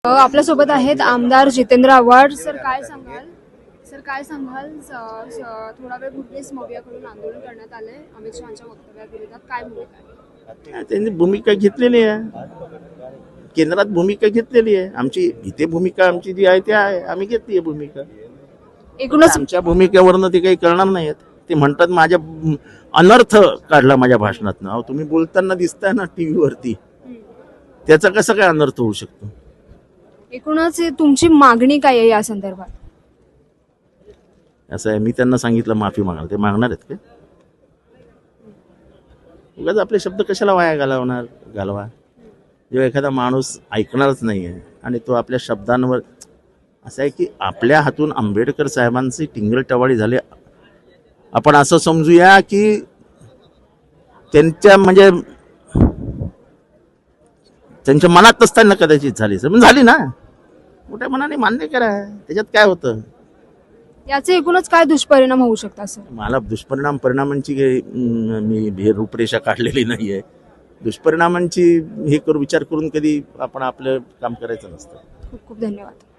आपल्यासोबत आहेत आमदार जितेंद्र आव्हाड. सर काय सांगाल? थोडा वेळ पूर्वीच मवियाकडून आंदोलन करण्यात आले अमित शहाच्या वक्तव्याविरोधात, काय भूमिका आहे? त्यांनी भूमिका घेतलेली आहे, केंद्रात भूमिका घेतलेली आहे. आमची इथे भूमिका आमची जी आहे ते आहे, आम्ही घेतली आहे भूमिका. एकूणच आमच्या भूमिकेवरनं ते काही करणार नाहीत. ते म्हणतात माझ्या अनर्थ काढला माझ्या भाषणातनं. अहो तुम्ही बोलताना दिसताय ना टीव्हीवरती, त्याचा कसा काय अनर्थ होऊ शकतो? एकूणच तुमची मागणी काय आहे या संदर्भात? असं आहे, मी त्यांना सांगितलं माफी मागणार, ते मागणार आहेत का? उगाच आपले शब्द कशाला वाया घालवा. जेव्हा एखादा माणूस ऐकणारच नाही आहे आणि तो आपल्या शब्दांवर, असं आहे की आपल्या हातून आंबेडकर साहेबांची टिंगलटवाळी झाली. आपण असं समजूया की त्यांच्या म्हणजे त्यांच्या मनात असताना कदाचित झाली, पण झाली ना, मोठ्या मनाने मान्य करा, त्याच्यात काय होतं? याचे एकूणच काय दुष्परिणाम होऊ शकतात सर? मला परिणामांची मी रूपरेषा काढलेली नाही आहे. दुष्परिणामांची विचार करून कधी आपण आपलं काम करायचं नसतं. खूप खूप धन्यवाद.